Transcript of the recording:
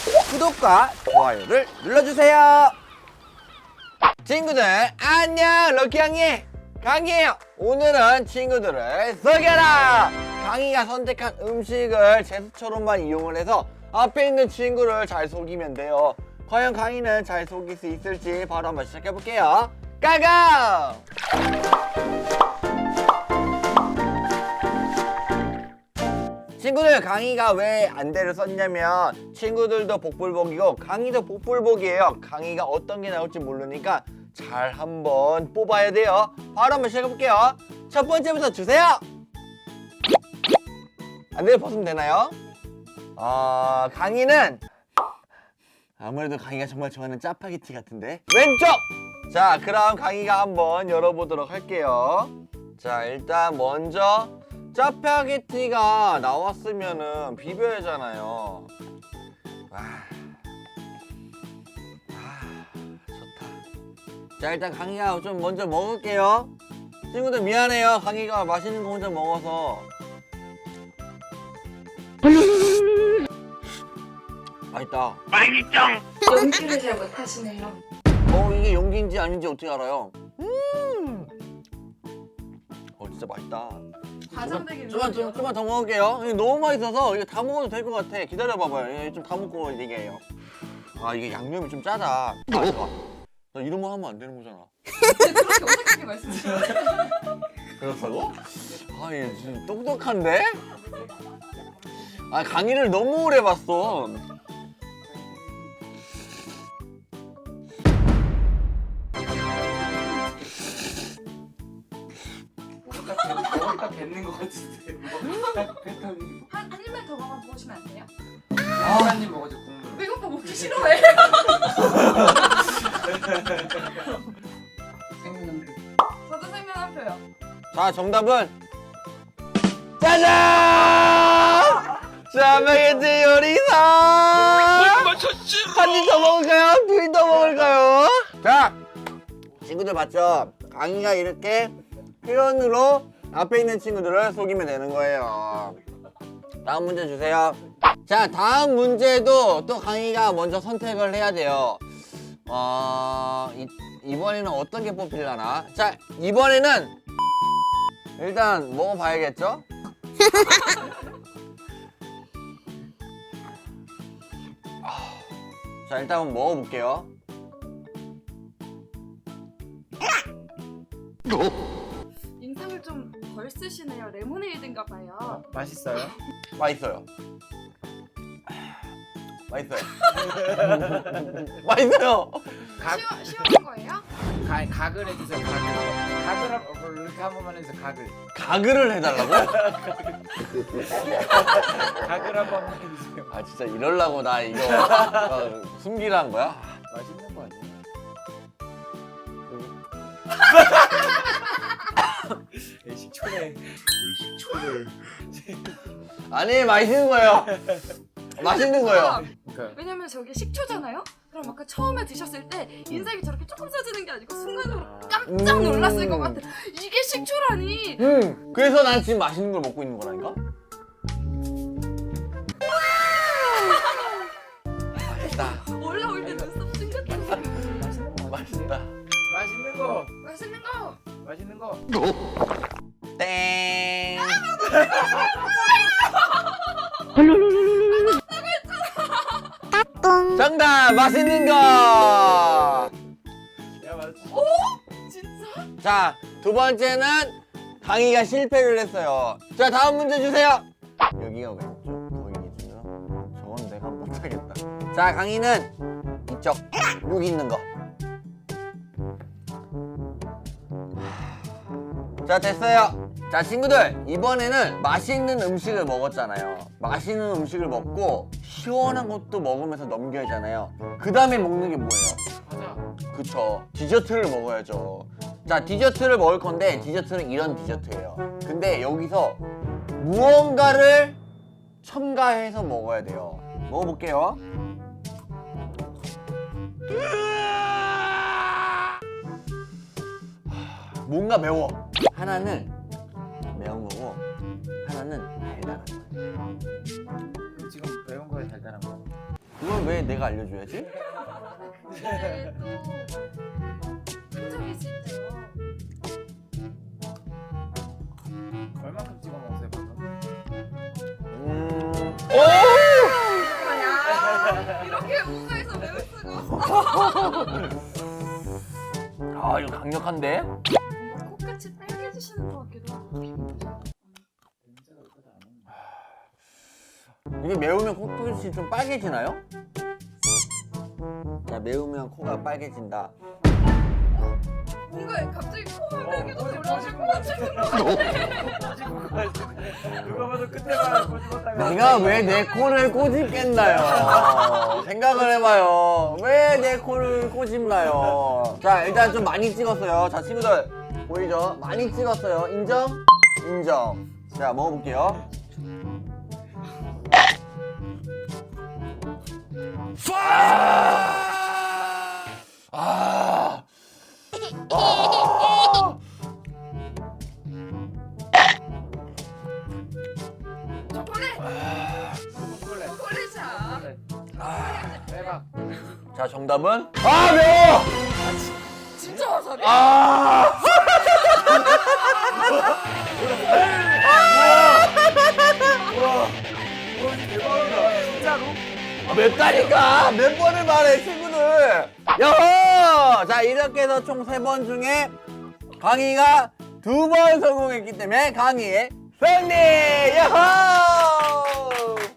구독과 좋아요를 눌러주세요. 친구들 안녕, 럭키강이 강이에요. 오늘은 친구들을 속여라. 강이가 선택한 음식을 제스처로만 이용을 해서 앞에 있는 친구를 잘 속이면 돼요. 과연 강이는 잘 속일 수 있을지 바로 한번 시작해볼게요. 가가! 친구들, 강이가 왜 안대를 썼냐면 친구들도 복불복이고 강이도 복불복이에요. 강이가 어떤 게 나올지 모르니까 잘 한번 뽑아야 돼요. 바로 한번 시작해볼게요. 첫 번째부터 주세요. 안대를 벗으면 되나요? 강이는 아무래도 강이가 정말 좋아하는 짜파게티 같은데 왼쪽! 자, 그럼 강이가 한번 열어보도록 할게요. 자, 일단 먼저 짜파게티가 나왔으면은 비벼야 하잖아요. 좋다. 자, 일단 강이가 좀 먼저 먹을게요. 친구들 미안해요. 강이가 맛있는 거 혼자 먹어서. 맛있다. 연기를 잘 못하시네요. 이게 용기인지 아닌지 어떻게 알아요? 진짜 맛있다. 과장되게 좀만 더 먹을게요. 이게 너무 맛있어서 이거 다 먹어도 될 것 같아. 기다려봐봐요. 좀 다 먹고 얘기해요. 이게 양념이 좀 짜다. 잠깐. 나 이런 거 하면 안 되는 거잖아. 그렇게 어색하게 말씀하시네요. 그렇다고? 얘 진짜 똑똑한데? 강의를 너무 오래 봤어. 딱 뱉는 것 같은데. 딱 패턴이. 한 입만 더 먹어보시면 안 돼요? 한 입 먹어줘 국물. 배고파 먹기 싫어해. 생명은 저도 생면 한 표요. 자, 정답은 짜잔! 짜파게티 요리사! 한 입 더 먹을까요? 두 입 더 먹을까요? 자, 친구들 봤죠? 강이가 이렇게 표현으로 앞에 있는 친구들을 속이면 되는 거예요. 다음 문제 주세요. 자, 다음 문제도 또 강이가 먼저 선택을 해야 돼요. 이번에는 어떤 게 뽑히려나? 자, 이번에는 일단 먹어봐야겠죠? 자, 일단 한번 먹어볼게요. 인상을 좀 덜 쓰시네요. 레모네이드인가 봐요. 맛있어요? 맛있어요. 맛있어요. 맛있어요. 시원한 거예요? 가글 해주세요. 가글 이렇게 한 번만 해주세요. 가글을 해달라고? 가글 한 번만 해주세요. 진짜 이럴라고 나 이거 숨기라 한 거야? 맛있는 거 아니에요? 식초네. 아니, 맛있는 거예요. 맛있는 거예요. 그러니까 왜냐면 저게 식초잖아요? 그럼 아까 처음에 드셨을 때 인상이 저렇게 조금 써지는 게 아니고 순간으로 깜짝 놀랐을 것 같아. 이게 식초라니. 그래서 난 지금 맛있는 걸 먹고 있는 거라니까? 맛있다. 올라올 때 눈썹 찡긋하시고. 맛있다. 맛있는 거. 땡. 정답! 맛있는 거! 야 맛있어. 진짜? 자, 두 번째는 강이가 실패를 했어요. 자, 다음 문제 주세요. 여기가 왼쪽 거기 기준으로. 저건 내가 못하겠다. 자, 강이는 이쪽 여기 있는 거. 자, 됐어요. 자, 친구들, 이번에는 맛있는 음식을 먹었잖아요. 맛있는 음식을 먹고 시원한 것도 먹으면서 넘겨야 하잖아요. 그 다음에 먹는 게 뭐예요? 맞아. 그쵸, 디저트를 먹어야죠. 자, 디저트를 먹을 건데 디저트는 이런 디저트예요. 근데 여기서 무언가를 첨가해서 먹어야 돼요. 먹어볼게요. 뭔가 매워. 하나는 매운 거고 하나는 달달한 거예요. 그럼 지금 매운 거에 달달한 거. 그걸 왜 내가 알려줘야지? 근데 또 흔적이 있을 때요. 얼마큼 찍어 먹었어요 방금? 오! 야, 이렇게 무사해서 매울 수가 없어. 아 이거 강력한데? 뭔가 코끝이 빨개지시는 것 같기도 하고. 냄새가 그렇게 안 나는데. 이게 매우면 코끝이 좀 빨개지나요? 자 매우면 코가 빨개진다. 뭔가 갑자기 코가 빨개져서 꼬집, 올라오실 것 꼬집, 같은 누가 봐도 끝에만 꼬집었다가 내가 왜 내 코를 꼬집겠나요? 생각을 해봐요. 왜 내 코를 꼬집나요? 자 일단 좀 많이 찍었어요. 자 친구들 보이죠? 많이 찍었어요. 인정? 인정. 자 먹어볼게요. 아! 아! 초콜릿! 초콜릿 초콜릿이야. 대박. 자 정답은 아 매워! 진짜 와사비? 아! 대박이다 진짜로? 아, 맵다니까! 몇 번을 말해, 친구들! 여호! 자, 이렇게 해서 총 3번 중에 강희가 2번 성공했기 때문에 강희의 승리! 여호!